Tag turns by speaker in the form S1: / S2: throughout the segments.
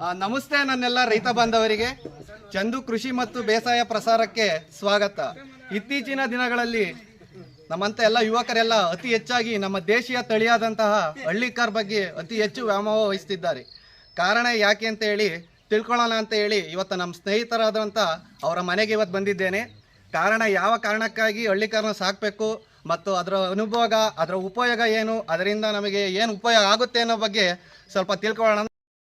S1: ನಮಸ್ತೆ ನನ್ನೆಲ್ಲ ರೈತ ಬಾಂಧವರಿಗೆ. ಚಂದು ಕೃಷಿ ಮತ್ತು ಬೇಸಾಯ ಪ್ರಸಾರಕ್ಕೆ ಸ್ವಾಗತ. ಇತ್ತೀಚಿನ ದಿನಗಳಲ್ಲಿ ನಮ್ಮಂತ ಎಲ್ಲ ಯುವಕರೆಲ್ಲ ಅತಿ ಹೆಚ್ಚಾಗಿ ನಮ್ಮ ದೇಶೀಯ ತಳಿಯಾದಂತಹ ಹಳ್ಳಿಕಾರ್ ಬಗ್ಗೆ ಅತಿ ಹೆಚ್ಚು ವ್ಯಾಮೋಹ ವಹಿಸ್ತಿದ್ದಾರೆ. ಕಾರಣ ಯಾಕೆ ಅಂತ ಹೇಳಿ ತಿಳ್ಕೊಳ್ಳೋಣ ಅಂತ ಹೇಳಿ ಇವತ್ತು ನಮ್ಮ ಸ್ನೇಹಿತರಾದಂಥ ಅವರ ಮನೆಗೆ ಇವತ್ತು ಬಂದಿದ್ದೇನೆ. ಕಾರಣ ಯಾವ ಕಾರಣಕ್ಕಾಗಿ ಹಳ್ಳಿಕಾರನ ಸಾಕಬೇಕು ಮತ್ತು ಅದರ ಅನುಭೋಗ, ಅದರ ಉಪಯೋಗ ಏನು, ಅದರಿಂದ ನಮಗೆ ಏನು ಉಪಯೋಗ ಆಗುತ್ತೆ ಅನ್ನೋ ಬಗ್ಗೆ ಸ್ವಲ್ಪ ತಿಳ್ಕೊಳ್ಳೋಣ.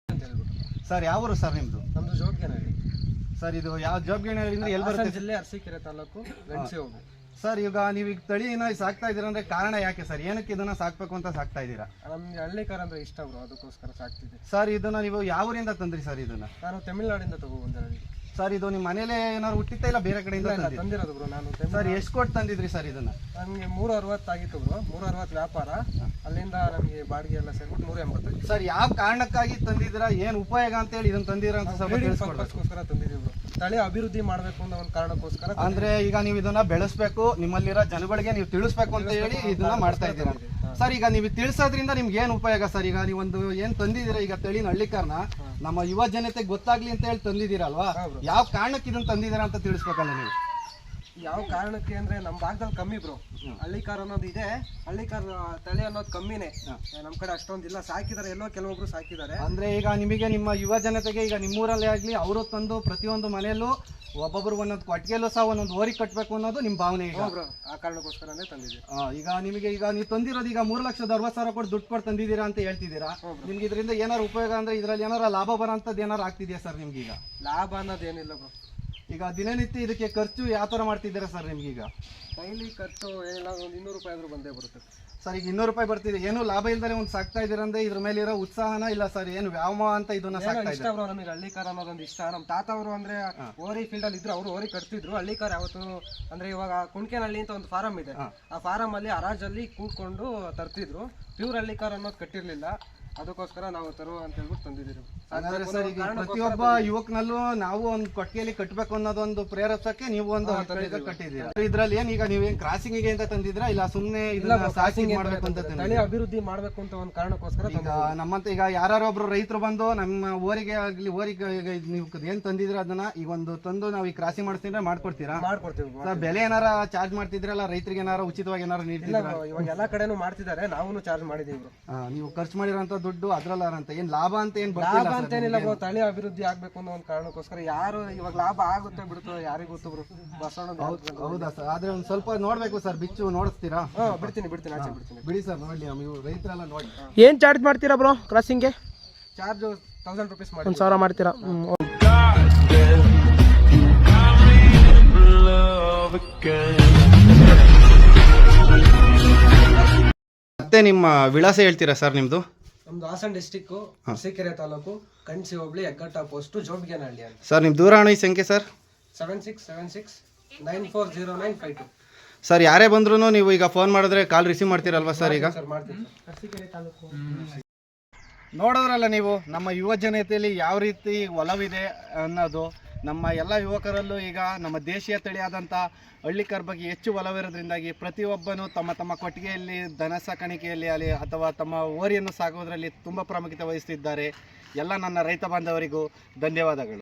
S1: ಸರ್ ಯಾವರು ಸರ್ ನಿಮ್ಮದು?
S2: ನಮ್ಮದು ಜೋಬ್ಗೇನಹಳ್ಳಿ
S1: ಸರ್. ಇದು ಯಾವ ಜೋಬ್ಗೇನಹಳ್ಳಿ ಅಂದ್ರೆ ಎಲ್ಲಿ ಬರುತ್ತೆ?
S2: ಜಿಲ್ಲೆ ಅರಸೀಕೆರೆ ತಾಲೂಕು ಗಣಸಿ ಹೋಗಿ.
S1: ಸರ್ ಈಗ ನೀವು ಈಗ ತಳಿನ ಸಾಕ್ತಾ ಇದ್ದೀರಾ ಅಂದ್ರೆ ಕಾರಣ ಯಾಕೆ ಸರ್? ಏನಕ್ಕೆ ಇದನ್ನ ಸಾಕ್ಬೇಕು ಅಂತ ಸಾಕ್ತಾ ಇದ್ದೀರಾ?
S2: ನಮ್ಗೆ ಹಳ್ಳಿಕಾರ ಅಂದ್ರೆ ಇಷ್ಟ ಬ್ರೋ, ಅದಕ್ಕೋಸ್ಕರ ಸಾಕ್ತಿದ್ದೆ.
S1: ಸರ್ ಇದನ್ನ ನೀವು ಯಾವ ಊರಿಂದ ತಂದ್ರಿ ಸರ್? ಇದನ್ನ
S2: ನಾನು ತಮಿಳ್ನಾಡಿಂದ ತಗೊಬಂದೆ.
S1: ಸರ್ ಇದು ನಿಮ್ಮ ಮನೇಲೆ ಏನಾದ್ರು ಹುಟ್ಟಿತ್ತ ಇಲ್ಲ ಬೇರೆ ಕಡೆಯಿಂದ
S2: ತಂದಿರೋದು ಬ್ರೋ ನಾನು.
S1: ಸರ್ ಎಷ್ಟು ಕೊಟ್ಟು ತಂದಿದ್ರಿ ಸರ್ ಇದನ್ನ?
S2: ನನಗೆ 360 ಆಗಿತ್ತು ಬ್ರೋ, 360 ವ್ಯಾಪಾರ. ಅಲ್ಲಿಂದ ನಮಗೆ ಬಾಡಿಗೆ ಎಲ್ಲ ಸೇರ್ಬಿಟ್ಟು 180.
S1: ಸರ್ ಯಾವ ಕಾರಣಕ್ಕಾಗಿ ತಂದಿದ್ದೀರಾ, ಏನು ಉಪಯೋಗ ಅಂತ ಹೇಳಿ ಇದನ್ನ ತಂದಿರ ಅಂತ ಸ್ವಲ್ಪ
S2: ಪರ್ಪಸ್ಗೋಸ್ಕರ ತಂದಿದ್ದೀವಿ ಬ್ರೋ. ತಳಿ ಅಭಿವೃದ್ಧಿ ಮಾಡಬೇಕು ಅನ್ನೋ ಒಂದು ಕಾರಣಕ್ಕೋಸ್ಕರ.
S1: ಅಂದ್ರೆ ಈಗ ನೀವು ಇದನ್ನ ಬೆಳೆಸಬೇಕು, ನಿಮ್ಮಲ್ಲಿರೋ ಜನಗಳಿಗೆ ನೀವು ತಿಳಿಸ್ಬೇಕು ಅಂತ ಹೇಳಿ ಇದನ್ನ ಮಾಡ್ತಾ ಇದ್ದೀರಾ. ಸರ್ ಈಗ ನೀವು ತಿಳಿಸೋದ್ರಿಂದ ನಿಮ್ಗೆ ಏನು ಉಪಯೋಗ ಸರ್? ಈಗ ನೀವೊಂದು ಏನ್ ತಂದಿದ್ದೀರಾ ಈಗ ತಳಿನ ಹಳ್ಳಿಕಾರನ ನಮ್ಮ ಯುವ ಜನತೆಗೆ ಗೊತ್ತಾಗ್ಲಿ ಅಂತ ಹೇಳಿ ತಂದಿದ್ದೀರಲ್ವಾ, ಯಾವ ಕಾರಣಕ್ಕೆ ಇದನ್ನ ತಂದಿದ್ದೀರಾ ಅಂತ ತಿಳಿಸ್ಬೇಕಲ್ಲ ನೀವು?
S2: ಯಾವ ಕಾರಣಕ್ಕೆ ಅಂದ್ರೆ ನಮ್ಮ ಭಾಗದಲ್ಲಿ ಕಮ್ಮಿ ಬ್ರೋ, ಹಳ್ಳಿಕಾರ ಅನ್ನೋದು ಇದೆ, ಹಳ್ಳಿಕಾರ ತಳಿ ಅನ್ನೋದು ಕಮ್ಮಿನೇ ನಮ್ಮ ಕಡೆ ಅಷ್ಟೊಂದಿಲ್ಲ. ಸಾಕಿದ್ದಾರೆ, ಎಲ್ಲೋ ಕೆಲವೊಬ್ರು ಸಾಕಿದ್ದಾರೆ.
S1: ಅಂದ್ರೆ ಈಗ ನಿಮಗೆ ನಿಮ್ಮ ಯುವ ಜನತೆಗೆ ಈಗ ನಿಮ್ಮೂರಲ್ಲಿ ಆಗ್ಲಿ ಅವರು ತಂದು ಪ್ರತಿಯೊಂದು ಮನೆಯಲ್ಲೂ ಒಬ್ಬೊಬ್ರು ಒಂದೊಂದು ಕೊಟ್ಟಿಗೆಲ್ಲೂ ಸಹ ಒಂದೊಂದು ಓರಿ ಕಟ್ಟಬೇಕು ಅನ್ನೋದು ನಿಮ್ಮ ಭಾವನೆ. ಈಗ
S2: ಆ ಕಾರಣಕ್ಕೋಸ್ಕರನೇ ತಂದಿದ್ದೀವಿ.
S1: ಈಗ ನಿಮಗೆ ಈಗ ನೀವು ತಂದಿರೋದು ಈಗ 3,60,000 ಕೊಟ್ಟು ದುಡ್ಡು ಕೊಟ್ಟು ತಂದಿದ್ದೀರಾ ಅಂತ ಹೇಳ್ತಿದ್ದೀರಾ. ನಿಮ್ಗೆ ಇದರಿಂದ ಏನಾರು ಉಪಯೋಗ ಅಂದ್ರೆ ಇದ್ರಲ್ಲಿ ಏನಾರ ಲಾಭ ಬರೋಂಥದ್ದು ಏನಾರು ಆಗ್ತಿದೆಯಾ ಸರ್ ನಿಮ್ಗೆ? ಈಗ
S2: ಲಾಭ ಅನ್ನೋದು ಏನಿಲ್ಲ ಬ್ರೋ.
S1: ಈಗ ದಿನನಿತ್ಯ ಇದಕ್ಕೆ ಖರ್ಚು ಯಾವ ಥರ ಮಾಡ್ತಿದ್ದೀರಾ ಸರ್ ನಿಮ್ಗೀಗ?
S2: ಡೈಲಿ ಖರ್ಚು ಏನಿಲ್ಲ, ಒಂದು 200 ರೂಪಾಯಿ ಆದರೂ ಬಂದೇ ಬರುತ್ತೆ
S1: ಸರ್. ಈಗ 200 ರೂಪಾಯಿ ಬರ್ತಿದೆ, ಏನು ಲಾಭ ಇಲ್ದೇ ಒಂದು ಸಾಕ್ತಾ ಇದ್ದೀರಂದ್ರೆ ಇದ್ರ ಮೇಲೆ ಇರೋ ಉತ್ಸಾಹನ ಇಲ್ಲ ಸರ್? ಏನು ವ್ಯಾಮೋಹ ಅಂತ ಇದನ್ನ ಸಾಕ್ತಾ
S2: ಇಷ್ಟ ಬ್ರೋ. ನಮಗೆ ಹಳ್ಳಿಕಾರ ಅನ್ನೋದೊಂದು ಇಷ್ಟ. ನಮ್ಮ ತಾತ ಅವರು ಅಂದ್ರೆ ಓರಿ ಫೀಲ್ಡ್ ಅಲ್ಲಿ ಇದ್ರು, ಅವರು ಓರಿ ಕಟ್ತಿದ್ರು. ಹಳ್ಳಿಕಾರ ಯಾವತ್ತು ಅಂದ್ರೆ ಇವಾಗ ಕುಣ್ಕೆನಹಳ್ಳಿ ಅಂತ ಒಂದು ಫಾರಂ ಇದೆ, ಆ ಫಾರಂ ಅಲ್ಲಿ ಹರಾಜಲ್ಲಿ ಕೂತ್ಕೊಂಡು ತರ್ತಿದ್ರು. ಪ್ಯೂರ್ ಹಳ್ಳಿಕಾರ ಅನ್ನೋದು ಕಟ್ಟಿರ್ಲಿಲ್ಲ, ಅದಕ್ಕೋಸ್ಕರ ನಾವು ತರುವ ಅಂತ ಹೇಳ್ಬಿಟ್ಟು ತಂದಿದ್ದೀವಿ.
S1: ಅಂದ್ರೆ ಸರ್ ಈಗ ಪ್ರತಿಯೊಬ್ಬ ಯುವಕನಲ್ಲೂ ನಾವು ಒಂದು ಕೊಟ್ಟಿಗೆಯಲ್ಲಿ ಕಟ್ಟಬೇಕು ಅನ್ನೋದೊಂದು ಪ್ರೇರೇಪಕ್ಕೆ ನೀವು ಒಂದು ಕಟ್ಟಿದ್ದೀರಾ. ಇದ್ರಲ್ಲಿ ಏನ್ ಈಗ ನೀವೇನ್ ಕ್ರಾಸಿಂಗ್ ಗೆ ಅಂತ ತಂದಿದ್ರಾ ಇಲ್ಲ ಸುಮ್ಮನೆ ಸಾಕಿಂಗ್ ಮಾಡ್ಬೇಕು ಅಂತ?
S2: ತಳಿ ಅಭಿವೃದ್ಧಿ ಮಾಡ್ಬೇಕು ಅಂತ ಒಂದು ಕಾರಣಕ್ಕೋಸ್ಕರ.
S1: ಈಗ ನಮ್ಮಂತ ಈಗ ಯಾರೊಬ್ರು ರೈತರು ಬಂದು ನಮ್ಮ ಊರಿಗೆ ಆಗ್ಲಿ ಊರಿಗೆ ನೀವು ಏನ್ ತಂದಿದ್ರ ಅದನ್ನ ಈಗ ಒಂದು ತಂದು ನಾವು ಈ ಕ್ರಾಸಿಂಗ್ ಮಾಡ್ತಿದ್ರೆ ಮಾಡ್ಕೊಡ್ತೀರಾ?
S2: ಮಾಡ್ಕೊಡ್ತೀವಿ.
S1: ಬೆಲೆ ಏನಾರ ಚಾರ್ಜ್ ಮಾಡ್ತಿದ್ರಲ್ಲ ರೈತರಿಗೆ, ಏನಾರ ಉಚಿತವಾಗಿ ಏನಾರು ನೀಡ್ತಿದ್ರ?
S2: ಇವಾಗ ಎಲ್ಲಾ ಕಡೆನೂ ಮಾಡ್ತಿದ್ದಾರೆ, ನಾವು ಚಾರ್ಜ್ ಮಾಡಿದೀವಿ.
S1: ನೀವು ಖರ್ಚು ಮಾಡಿರೋಂತ ದುಡ್ಡು ಅದ್ರಲ್ಲ ಅಂತ ಏನ್ ಲಾಭ ಅಂತ ಏನ್
S2: ಲಾಭ ಅಂತ ಏನಿಲ್ಲ ಬ್ರೋ. ತಳಿ ಅಭಿವೃದ್ಧಿ ಆಗ್ಬೇಕು ಅನ್ನೋ ಒಂದು ಕಾರಣಕ್ಕೋಸ್ಕರ. ಯಾರು ಇವಾಗ ಲಾಭ ಆಗುತ್ತೆ ಬಿಡುತ್ತೋ ಯಾರಿಗೂ ಗೊತ್ತು ಬ್ರೋ.
S1: ಹೌದಾ ಸರ್? ಆದ್ರೆ ಒಂದ್ ಸ್ವಲ್ಪ ನೋಡ್ಬೇಕು ಸರ್, ಬಿಚ್ಚು ನೋಡಿಸ್ತೀರಾ?
S2: ಬಿಡ್ತೀನಿ ಆಚೆ ಬಿಡ್ತೀನಿ.
S1: ಬಿಡಿ ಸರ್, ನೋಡ್ಲಿ ರೈತರೆಲ್ಲ ನೋಡಿ.
S2: ಏನ್ ಚಾರ್ಜ್ ಮಾಡ್ತೀರಾ ಬ್ರೋ ಕ್ರಾಸಿಂಗ್ಗೆ? ಚಾರ್ಜ್ 1000 ರೂಪೀಸ್ ಮಾಡಿ. 1000 ಮಾಡ್ತೀರಾ?
S1: ಮತ್ತೆ ನಿಮ್ಮ ವಿಳಾಸ ಹೇಳ್ತೀರಾ ಸರ್ ನಿಮ್ದು?
S2: ನಮ್ದು ಹಾಸನ ಡಿಸ್ಟಿಕ್ ಅರಸೀಕೆರೆ ತಾಲೂಕು ಗಣಸಿ ಹೋಬಳಿ ಹೆಗ್ಗಟ್ಟ ಪೋಸ್ಟ್ ಜೋಬ್ಗೇನಹಳ್ಳಿ ಅಂತ.
S1: ಸರ್ ನಿಮ್ಮ ದೂರವಾಣಿ ಸಂಖ್ಯೆ ಸರ್?
S2: 7676940952.
S1: ಸರ್ ಯಾರೇ ಬಂದ್ರು ನೀವು ಈಗ ಫೋನ್ ಮಾಡಿದ್ರೆ ಕಾಲ್ ರಿಸೀವ್ ಮಾಡ್ತೀರಲ್ವಾ ಸರ್? ಈಗ
S2: ಅರಸೀಕೆರೆ ತಾಲೂಕು
S1: ನೋಡೋದ್ರಲ್ಲ ನೀವು ನಮ್ಮ ಯುವ ಜನತೆಯಲ್ಲಿ ಯಾವ ರೀತಿ ಒಲವಿದೆ ಅನ್ನೋದು. ನಮ್ಮ ಎಲ್ಲ ಯುವಕರಲ್ಲೂ ಈಗ ನಮ್ಮ ದೇಶೀಯ ತಳಿಯಾದಂಥ ಹಳ್ಳಿಕಾರ್ ಬಗ್ಗೆ ಹೆಚ್ಚು ಒಲವಿರೋದ್ರಿಂದಾಗಿ ಪ್ರತಿಯೊಬ್ಬನೂ ತಮ್ಮ ತಮ್ಮ ಕೊಟ್ಟಿಗೆಯಲ್ಲಿ ದನ ಸಾಕಾಣಿಕೆಯಲ್ಲಿ ಅಲ್ಲಿ ಅಥವಾ ತಮ್ಮ ಓರಿಯನ್ನು ಸಾಕೋದ್ರಲ್ಲಿ ತುಂಬ ಪ್ರಾಮುಖ್ಯತೆ ವಹಿಸ್ತಿದ್ದಾರೆ. ಎಲ್ಲ ನನ್ನ ರೈತ ಬಾಂಧವರಿಗೂ ಧನ್ಯವಾದಗಳು.